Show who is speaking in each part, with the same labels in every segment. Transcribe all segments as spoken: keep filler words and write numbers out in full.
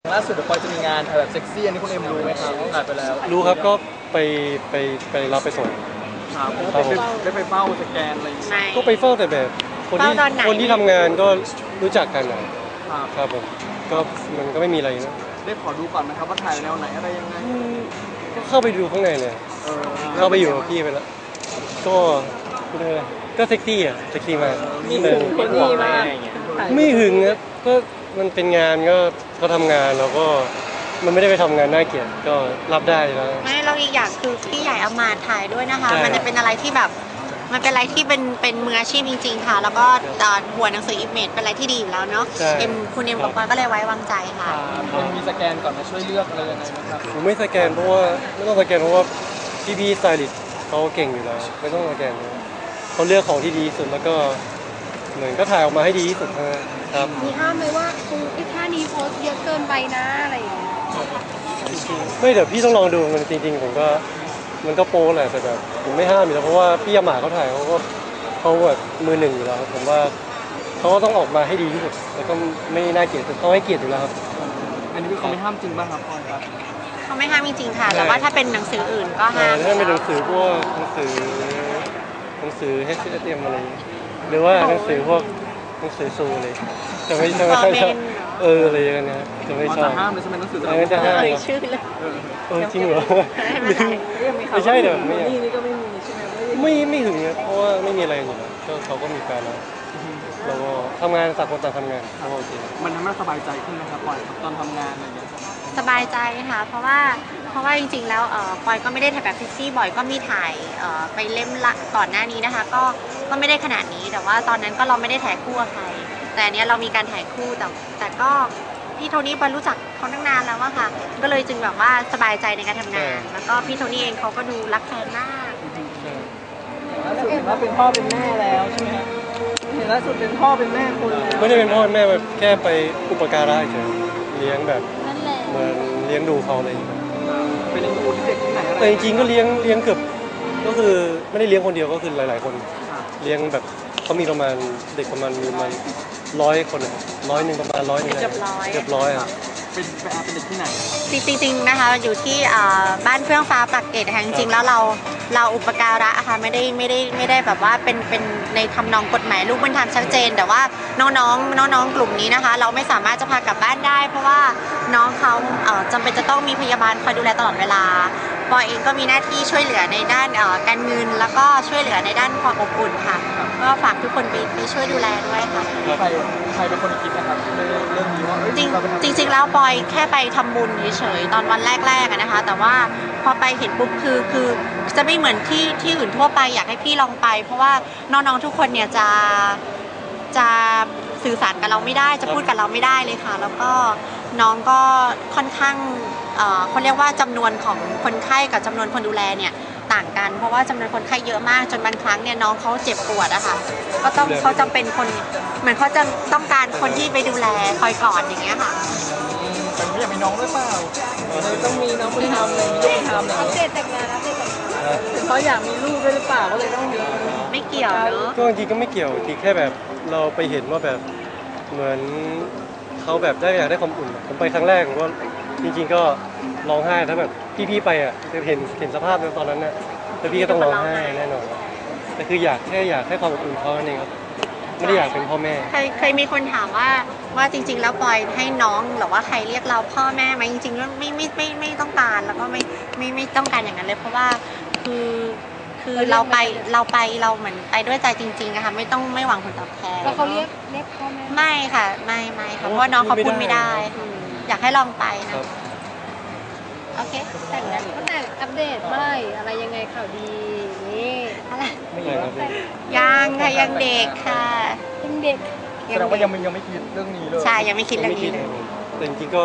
Speaker 1: ล่าสุดเดี๋ยวปอยจะมีงานถ่ายแบบเซ็กซี่อันนี้คุณเอ็มรู้ไหมครับถ่ายไปแล้ว
Speaker 2: รู้ครับก็ไปไปไปรับไปส่ง
Speaker 1: ครับได้ไปได้ไปเฝ้าสแกนอะไร
Speaker 2: ก็ไปเฝ้าแต่แบบคนที่คนที่ทำงานก็รู้จักกันนะครับผมก็มันก็ไม่มีอะไรนะ
Speaker 1: ได้ขอดูก่อนนะครับว่าถ่ายแนวไหนอะไรยังไง
Speaker 2: ก็เข้าไปดูข้างในเลยเข้าไปอยู่กับพี่ไปแล้วก็ก็เซ็กซี่อ่ะเซ็กซี่มาก
Speaker 1: มีหึงคนนี้มาก
Speaker 2: ไม่หึงนะก็มันเป็นงานก็ก็ทำงานแล้วก็มันไม่ได้ไปทำงานน่าเกลียดก็รับได้แล้ว
Speaker 3: ไม่เราอีกอย่างคือพี่ใหญ่เอามาถ่ายด้วยนะคะมันจะเป็นอะไรที่แบบมันเป็นอะไรที่เป็นเป็นมืออาชีพจริงๆค่ะแล้วก็หัวหนังสืออิมเมจเป็นอะไรที่ดีอยู่แล้วเนาะเอ็มคุณเอ็มกับปอยก็เลยไว้วางใจค่ะ
Speaker 1: มันมีสแกนก่อนนะช่วยเลือกอะไรยังไงไหมครับ
Speaker 2: ผมไม่สแกนเพราะว่าไม่ต้องสแกนเพราะว่าพี่พี่สไตลิสต์เขาเก่งอยู่แล้วไม่ต้องสแกนเขาเลือกของที่ดีที่สุดแล้วก็เหมือนก็ถ่ายออกมาให้ดีที่สุดครับ
Speaker 4: มีห้ามไหมว่าคุณไอ้ท่านี้โพสเยอะเกินไปนะอะไรอย่างเงี้ย
Speaker 2: ไม่เดี๋ยวพี่ต้องลองดูมันจริงๆผมก็มันก็โป๊แหละแต่แบบผมไม่ห้ามอยู่แล้วเพราะว่าพี่ยาหมาเขาถ่ายเขาก็เขาแบบมือหนึ่งอยู่แล้วผมว่าเขาก็ต้องออกมาให้ดีที่สุดแล้วก็ไม่น่าเกลียดเขาให้เกียรติอยู่แล้วครับ
Speaker 1: อันนี้เขาไม่ห้ามจริงป่ะครับพลอยครับ
Speaker 3: เขาไม่ห้ามจริงๆค่ะแต่ว่าถ้าเป็นหนังสืออื่นก็ห้าม
Speaker 2: ถ้าเป็นหนังสือพวกหนังสือหนังสือ เอช เอส เอ็ม อะไรหรือว่าหนังสือพวกหนังสือซูอะไรจะไม่จะไม่ชอบเอออะไรอย่างเงี้ยจะไม่ชอบ
Speaker 1: ห้ามเลยใช่ไหมหนังสือ
Speaker 2: จะห้าม
Speaker 3: ชื่อเลย
Speaker 2: เออจริงเหรอไม่ใช่เดี๋ยวไม่
Speaker 1: นี่ก็ไม่มีใช่ไหม
Speaker 2: ไม่ไม่ถึงนะเพราะว่าไม่มีอะไรอยู่แล้วก็เขาก็มีแฟนแล้วเราก็ทำงานต่างคนต่างทำงานก็โอเค
Speaker 1: มันทำให้สบายใจขึ้นนะครับปอยตอนทำงานอะไรอย่างเงี้ย
Speaker 3: สบายใจค่ะเพราะว่าเพราะว่าจริงๆแล้วปอยก็ไม่ได้ถ่ายแบบเซ็กซี่บ่อยก็มีถ่ายไปเล่มละก่อนหน้านี้นะคะก็ก็ไม่ได้ขนาดนี้แต่ว่าตอนนั้นก็เราไม่ได้ถ่ายคู่กับใครแต่เนี้ยเรามีการถ่ายคู่แต่แต่ก็พี่โทนี่ปอยรู้จักเขาตั้งนานแล้วอะค่ะก็เลยจึงแบบว่าสบายใจในการทำงานแล้วก็พี่โทนี่เองเขาก็ดูรักแฟนมาก
Speaker 1: ล่าสุดเห็นว่าเป็นพ่อเป็นแม่แล้วใช่ไหมเห็นล่าสุดเป็นพ่อเป็นแม่คน
Speaker 2: ไม่ได้เป็นพ่อแม่แบบแค่ไปอุปการะเฉยเลี้ยงแบบเหมือนเลี้ยงดูเขาอะไรอย่างเงี้ย
Speaker 1: เป็นเลี้ยงดูที่เด็กที่ไหนอะไร
Speaker 2: แต่จริงๆก็เลี้ยงเลี้ยงเกือบก็คือไม่ได้เลี้ยงคนเดียวก็คือหลายๆคนเลี้ยงแบบเขามีประมาณเด็กประมาณมีประมาณร้อยคนร้อยหนึ่งประมาณร้อยหนึ่ง
Speaker 3: เกือบร้อย
Speaker 2: เกือบร้อยอ่ะ
Speaker 1: เป็นเป็นเด็กที่ไหน
Speaker 3: จริงๆนะคะอยู่ที่บ้านเฟื่องฟ้าปากเกร็ดค่ะจริงๆแล้วเราเราอุปการะค่ะไม่ได้ไม่ได้ไม่ได้แบบว่าเป็นเป็นในทำนองกฎหมายลูกบุญธรรมชัดเจนแต่ว่าน้องๆน้องๆกลุ่มนี้นะคะเราไม่สามารถจะพากลับบ้านได้เพราะว่าน้องเขาจำเป็นจะต้องมีพยาบาลคอยดูแลตลอดเวลาปอยเองก็มีหน้าที่ช่วยเหลือในด้านการเงินแล้วก็ช่วยเหลือในด้านความอบอุ่นค่ะก็ฝากทุกคนไปไปช่วยดูแลด้วยค่ะ
Speaker 1: ใครใครเป็นคนคิดนะครับเรื่องนี้ว่า
Speaker 3: จริงจริงๆแล้วปอยแค่ไปทำบุญเฉยๆตอนวันแรกๆนะคะแต่ว่าพอไปเห็นปุ๊บคือคือจะไม่เหมือนที่ที่อื่นทั่วไปอยากให้พี่ลองไปเพราะว่าน้องๆทุกคนเนี่ยจะจะสื่อสารกับเราไม่ได้จะพูดกับเราไม่ได้เลยค่ะแล้วก็น้องก็ค่อนข้างเขาเรียกว่าจำนวนของคนไข้กับจำนวนคนดูแลเนี่ยต่างกันเพราะว่าจำนวนคนไข้เยอะมากจนบางครั้งเนี่ยน้องเขาเจ็บปวดอะค่ะก็ต้องเขาจำเป็นคนเหมือนเขาจะต้องการคนที่ไปดูแลคอยกอดอย่างเงี้ยค่ะ
Speaker 1: แต่ไม่อยากมีน้องด้วยเปล่าเลยต้องมีน้องบุญธรรมเลยมีลูกบุญธรรมเลย
Speaker 4: อัปเดตแต่งงานอัปเดตแต่งงาน
Speaker 1: ถึงเขาอยากมีลูกด้วยหรือเปล่าก็เลยต้องมี
Speaker 3: ไม่เกี่ยวเนอะ
Speaker 2: ก็จริงก็ไม่เกี่ยวจริงแค่แบบเราไปเห็นว่าแบบเหมือนเขาแบบได้อยากได้ความอุ่นผมไปครั้งแรกผมก็จริงๆก็ร้องไห้ถ้าแบบพี่ๆไปอ่ะจะเห็นเห็นสภาพในตอนนั้นน่ะแล้วพี่ก็ต้องร้องไห้แน่นอนแต่คืออยากแค่อยากให้ความอุ่นเขาเองครับไม่ได้อยากเป็นพ่อแม่
Speaker 3: เคยเคยมีคนถามว่าว่าจริงๆแล้วปอยให้น้องหรือว่าใครเรียกเราพ่อแม่ไหมจริงๆแล้วไม่ไม่ไม่ไม่ต้องการแล้วก็ไม่ไม่ไม่ต้องการอย่างนั้นเลยเพราะว่าคือคือเราไปเราไปเราเหมือนไปด้วยใจจริงๆนะคะไม่ต้องไม่หวังผลตอบแทน
Speaker 4: แล้วเขาเรียกเรียกพ่อแม่
Speaker 3: ไม่ค่ะไม่ไม่ค่ะเพราะว่าน้องเขาพูดไม่ได้อยากให้ลองไปนะโอเค
Speaker 4: แต่งงานก็แต่อัปเดตเมื่อไหร่อะไรยังไงข่าวดีนี่
Speaker 3: อะไร
Speaker 2: ยัง
Speaker 3: ค่ะยังเด็กค่ะ
Speaker 4: ยังเด็ก
Speaker 1: แสดงว่ายังยังไม่คิดเรื่องนี้เลย
Speaker 3: ใช่ยังไม่คิดเรื่องนี้
Speaker 2: แต่จริงๆก็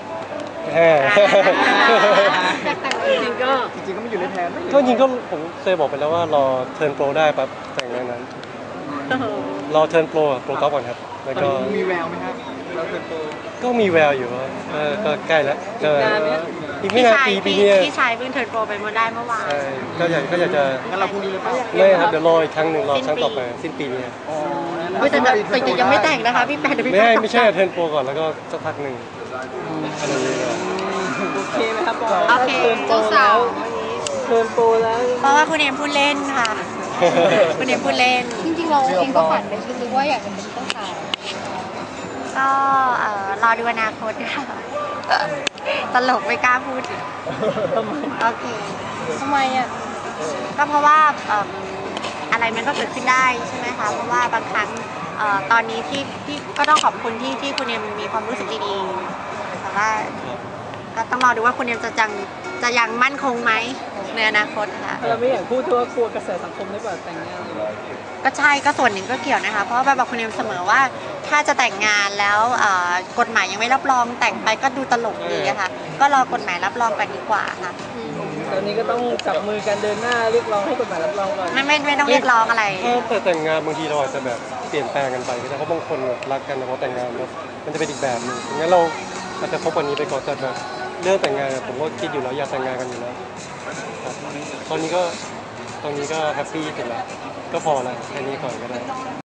Speaker 1: จริงก็จริงก็ไม่อยู่ในแผน
Speaker 2: ก็จริงก็ผมเคยบอกไปแล้วว่ารอเทิร์นโปรได้ปั๊บแต่งงานนั้นรอเทิร์นโปรโปรกอล์ฟก่อนครับแล้วก็
Speaker 1: มีแววไหมครับเราเทิร์นโปร
Speaker 2: ก็มีแววอยู่ก็ใกล้แล้วก็อีกไม่นานปีปีนี้
Speaker 3: พี่ชายเพิ่งเทิร์นโปรไปเมื่อได้เมื่อวาน
Speaker 2: ใช่ก็อยากก็อยากจะ
Speaker 1: งั้นเราพรุ่งนี้เลยป่ะ
Speaker 2: ไม่ครับเดี๋ยวรออีกครั้งหนึ่งรอครั้งต่อไปสิ้นปีนี้
Speaker 3: อ๋อแต่ยังไม่แต่งนะคะพี่แปด
Speaker 2: ไม่ไม่ใช่เทิร์นโปรก่อนแล้วก็สักพักหนึ่งอะไรอย่างเงี้ย
Speaker 1: โอเคไหมครับปอย
Speaker 3: โอเค
Speaker 1: เจ้าสาวเทิร์นโปรแล้ว
Speaker 3: เพราะว่าคุณเอมพูดเล่นค่ะ คุณเอมพูดเล่น
Speaker 4: จริงๆเราเองก็ฝันในลึกๆว่าอยากจะเป็นเจ้าสาว
Speaker 3: ก็เอ่อรอดูอนาคตค่ะ ตลกไม่กล้าพูด
Speaker 1: ทำไม
Speaker 3: โอเค
Speaker 4: ทำไมอ่ะ
Speaker 3: ก็เพราะว่าเอิ่มอะไรมันก็เกิดขึ้นได้ใช่ไหมคะ เพราะว่าบางครั้งเอ่อตอนนี้ที่ที่ก็ต้องขอบคุณที่ที่คุณเอมมีความรู้สึกดีๆแต่ว่าก็ต้องรอดูว่าคุณเอมจะยังจะยังมั่นคงไหมในอนาคตค่ะ
Speaker 1: เราไม่อยากพูดเพราะว่ากลัวกระแสสังคมได้กว่าแต่งงานเลย
Speaker 3: ก็ใช่ก็ส่วนหนึ่งก็เกี่ยวนะคะ เพราะว่าบอกคุณเอมเสมอว่าถ้าจะแต่งงานแล้วเอ่อกฎหมายยังไม่รับรองแต่งไปก็ดูตลกดีอะค่ะ ก็รอกฎหมายรับรองกันดีกว่าค่ะ
Speaker 1: ตอนนี้ก็ต้องจับมือกันเดินหน้าเรียกร้องให้กฎหมายรับรองก่อน
Speaker 3: ไม่ไม่ไม่ต้องเรียกร้องอะไร
Speaker 2: ถ้าแต่แต่งงานบางทีเราอาจจะแบบเปลี่ยนแปลงกันไปก็ได้เพราะบางคนแบบรักกันแต่พอแต่งงานแล้วมันจะเป็นอีกแบบหนึงงั้นเราอาจจะคบวันนี้ไปก่อนแต่แบบเรื่องแต่งงานอะผมก็คิดอยู่แล้วอยากแต่งงานกันอยู่แล้วครับตอนนี้ก็ตอนนี้ก็แฮปปี้สุดแล้วก็พอแล้วแค่นี้ก่อนก็ได้